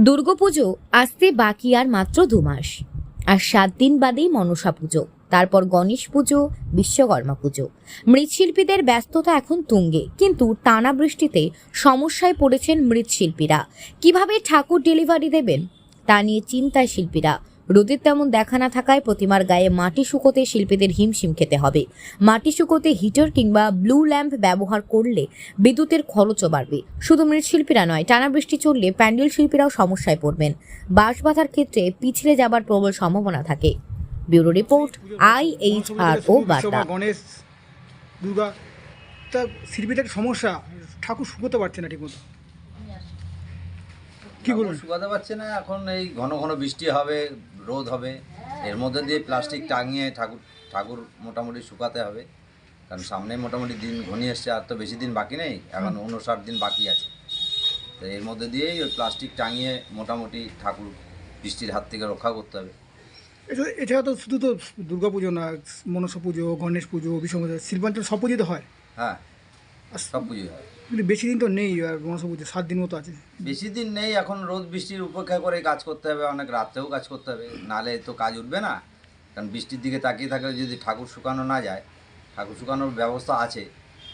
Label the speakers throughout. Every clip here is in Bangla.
Speaker 1: দুর্গাপুজো আসতে বাকি আর মাত্র 2 মাস, আর 7 দিন বাদেই মনসা পুজো, তারপর গণেশ পুজো, বিশ্বকর্মা পুজো। মৃৎশিল্পীদের ব্যস্ততা এখন তুঙ্গে, কিন্তু টানা বৃষ্টিতে সমস্যায় পড়েছেন মৃৎশিল্পীরা। কিভাবে ঠাকুর ডেলিভারি দেবেন তা নিয়ে চিন্তায় শিল্পীরা। রোদের তেমন দেখা না থাকায় প্রতিমার গায়ে মাটি শুকোতে শিল্পীদের হিমশিম খেতে হবে। মাটি শুকোতে হিটার কিংবা ব্লু ল্যাম্প ব্যবহার করলে বিদ্যুতের খরচও বাড়বে। শুধু মৃৎশিল্পীরা নয়, টানা বৃষ্টি চললে প্যান্ডেল শিল্পীরাও সমস্যায় পড়বেন। বাঁশ বাঁধার ক্ষেত্রে পিছলে যাবার প্রবল সম্ভাবনা থাকে। ব্যুরো রিপোর্ট, IHRO বার্তা।
Speaker 2: গণেশ, দুর্গা, তা শিল্পীদের সমস্যা, ঠাকুর শুকোতে পারছে না ঠিকমতো। কি বলুন?
Speaker 3: শুকাতে পারছে না। এখন এই ঘন ঘন বৃষ্টি হবে, রোদ হবে, এর মধ্যে দিয়ে প্লাস্টিক টাঙিয়ে ঠাকুর মোটামুটি শুকাতে হবে। কারণ সামনে মোটামুটি দিন ঘনিয়ে এসছে, আর তো বেশি দিন বাকি নেই, এখন 59 দিন বাকি আছে। তো এর মধ্যে দিয়েই ওই প্লাস্টিক টাঙিয়ে মোটামুটি ঠাকুর বৃষ্টির হাত থেকে রক্ষা করতে হবে।
Speaker 2: এছাড়া তো শুধু তো দুর্গা পুজো না, মনসা পুজো, গণেশ পুজো, বিশ্বকর্মা পুজো, শিল্পাঞ্চল সব পুজোতে হয়।
Speaker 3: হ্যাঁ, সব পুজোই হয়।
Speaker 2: কিন্তু বেশি দিন তো নেই, আর মনসা পুজো 7 দিন মতো আছে।
Speaker 3: বেশি দিন নেই, এখন রোদ বৃষ্টির উপেক্ষা করে কাজ করতে হবে, অনেক রাত্রেও কাজ করতে হবে, নাহলে তো কাজ উঠবে না। কারণ বৃষ্টির দিকে তাকিয়ে থাকলে যদি ঠাকুর শুকানো না যায়, ঠাকুর শুকানোর ব্যবস্থা আছে,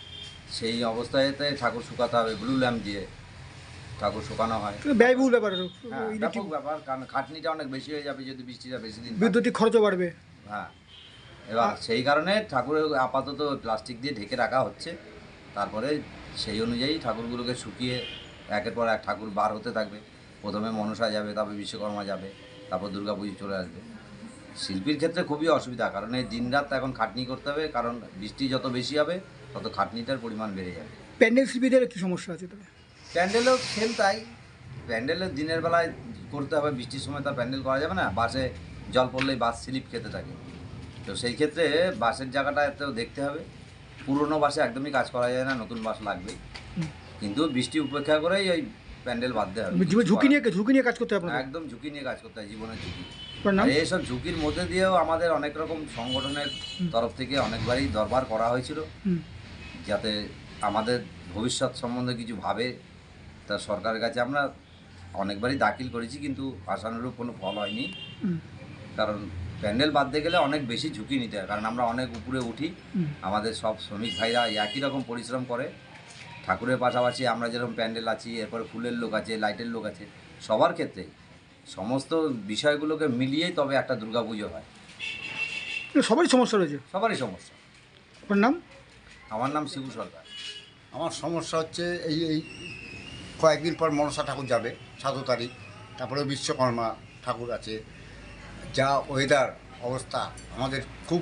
Speaker 3: সেই অবস্থায়তে ঠাকুর শুকাতে হবে। ব্লু ল্যাম্প দিয়ে ঠাকুর শুকানো হয়।
Speaker 2: ব্যয়বহুল ব্যাপার,
Speaker 3: হ্যাঁ, ব্যাপক ব্যাপার, কারণ খাটনিটা অনেক বেশি হয়ে যাবে যদি বৃষ্টিটা বেশি দিন থাকে।
Speaker 2: বিদ্যুতিক খরচও বাড়বে।
Speaker 3: হ্যাঁ, এবার সেই কারণে ঠাকুরের আপাতত প্লাস্টিক দিয়ে ঢেকে রাখা হচ্ছে। তারপরে সেই অনুযায়ী ঠাকুরগুলোকে শুকিয়ে একের পর এক ঠাকুর বার হতে থাকবে। প্রথমে মনসা যাবে, তারপর বিশ্বকর্মা যাবে, তারপর দুর্গা পুজো চলে আসবে। শিল্পীর ক্ষেত্রে খুবই অসুবিধা, কারণ এই দিনরাত এখন খাটনি করতে হবে, কারণ বৃষ্টি যত বেশি হবে তত খাটনিটার পরিমাণ বেড়ে যাবে।
Speaker 2: প্যান্ডেল শিল্পীদের কি সমস্যা আছে তবে?
Speaker 3: প্যান্ডেলও সেম তাই। প্যান্ডেলের দিনের বেলায় করতে হবে, বৃষ্টির সময় তার প্যান্ডেল করা যাবে না। বাসে জল পড়লেই বাস স্লিপ খেতে থাকে। তো সেই ক্ষেত্রে বাসের জায়গাটা এতেও দেখতে হবে। পুরনো বাসে একদমই কাজ করা যায় না, নতুন বাস লাগবেই। কিন্তু বৃষ্টি উপেক্ষা করেই ওই প্যান্ডেল বাঁধতে হবে।
Speaker 2: ঝুঁকি নিয়ে কাজ করতে হবে।
Speaker 3: একদম ঝুঁকি নিয়ে কাজ করতে হয়, জীবনের ঝুঁকি।
Speaker 2: নাম?
Speaker 3: আর এইসব ঝুঁকির মধ্যে দিয়েও আমাদের অনেক রকম সংগঠনের তরফ থেকে অনেকবারই দরবার করা হয়েছিল, যাতে আমাদের ভবিষ্যৎ সম্বন্ধে কিছু ভাবে। তা সরকারের কাছে আমরা অনেকবারই দাখিল করেছি, কিন্তু আশানুরূপ কোনো ফল হয়নি। কারণ প্যান্ডেল বাঁধতে গেলে অনেক বেশি ঝুঁকি নিতে হয়, কারণ আমরা অনেক উপরে উঠি। আমাদের সব শ্রমিক ভাইরা একই রকম পরিশ্রম করে। ঠাকুরের পাশাপাশি আমরা যেরকম প্যান্ডেল আছি, এরপরে ফুলের লোক আছে, লাইটের লোক আছে, সবার ক্ষেত্রে সমস্ত বিষয়গুলোকে মিলিয়েই তবে একটা দুর্গাপুজো হয়।
Speaker 2: সবারই সমস্যা রয়েছে।
Speaker 3: সবারই সমস্যা।
Speaker 2: আপনার নাম?
Speaker 3: আমার নাম শিবু সরকার।
Speaker 4: আমার সমস্যা হচ্ছে এই কয়েকদিন পর মনসা ঠাকুর যাবে, 7 তারিখ, তারপরে বিশ্বকর্মা ঠাকুর আছে। যা ওয়েদার অবস্থা আমাদের খুব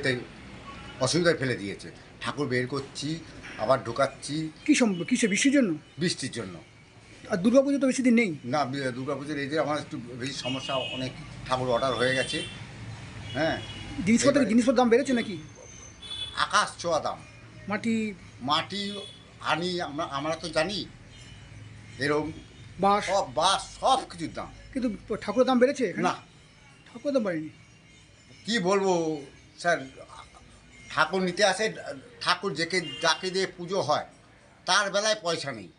Speaker 4: অসুবিধায় ফেলে দিয়েছে। ঠাকুর বের করছি, আবার ঢোকাচ্ছি।
Speaker 2: কিসে বৃষ্টির জন্য?
Speaker 4: বৃষ্টির জন্য।
Speaker 2: আর দুর্গা পুজো তো বেশি দিন নেই।
Speaker 4: না, দুর্গাপুজোর এই যে আমার একটু বেশি সমস্যা, অনেক ঠাকুর অর্ডার হয়ে গেছে। হ্যাঁ,
Speaker 2: জিনিসপত্রের দাম বেড়েছে নাকি?
Speaker 4: আকাশ ছোঁয়া দাম।
Speaker 2: মাটি
Speaker 4: আনি আমরা তো জানি, এরকম
Speaker 2: বাঁশ
Speaker 4: সব কিছুর দাম।
Speaker 2: কিন্তু ঠাকুরের দাম বেড়েছে
Speaker 4: না,
Speaker 2: ঠাকুরের দাম বাড়েনি।
Speaker 4: কি বলবো স্যার, ঠাকুর নিতে আসে, ঠাকুর যাকে দিয়ে পুজো হয় তার বেলায় পয়সা নেই।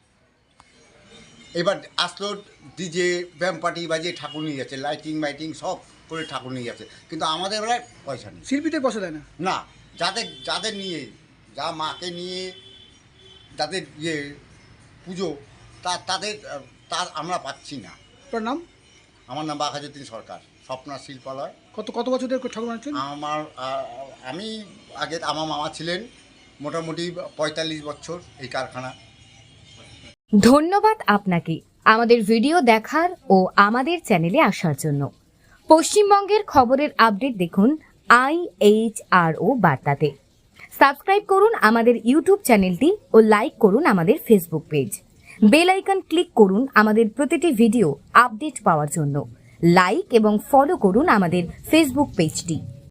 Speaker 4: এবার আসলো ডিজে ব্যাম পার্টি বাজিয়ে ঠাকুর নিয়ে যাচ্ছে, লাইটিং সব করে ঠাকুর নিয়ে যাচ্ছে, কিন্তু আমাদের বেলায় পয়সা নেই।
Speaker 2: শিল্পীদের পয়সা দেয় না।
Speaker 4: না, যাদের নিয়ে, যা মাকে নিয়ে যাদের পুজো, তার আমরা পাচ্ছি না।
Speaker 2: আপনার নাম?
Speaker 4: আমার নাম বাঘাযতীন সরকার, স্বপ্না শিল্পালয়।
Speaker 2: কত বছর ধরে ঠাকুর বানাচ্ছেন?
Speaker 4: আমি আগে, আমার মামা ছিলেন মোটামুটি 45 বছর এই কারখানা।
Speaker 1: ধন্যবাদ আপনাকে আমাদের ভিডিও দেখার ও আমাদের চ্যানেলে আসার জন্য। পশ্চিমবঙ্গের খবরের আপডেট দেখুন IHRO বার্তাতে। সাবস্ক্রাইব করুন আমাদের ইউটিউব চ্যানেলটি ও লাইক করুন আমাদের Facebook page. Bell icon click করুন আমাদের প্রতিটি ভিডিও আপডেট পাওয়ার জন্য। লাইক এবং ফলো করুন আমাদের ফেসবুক পেজটি।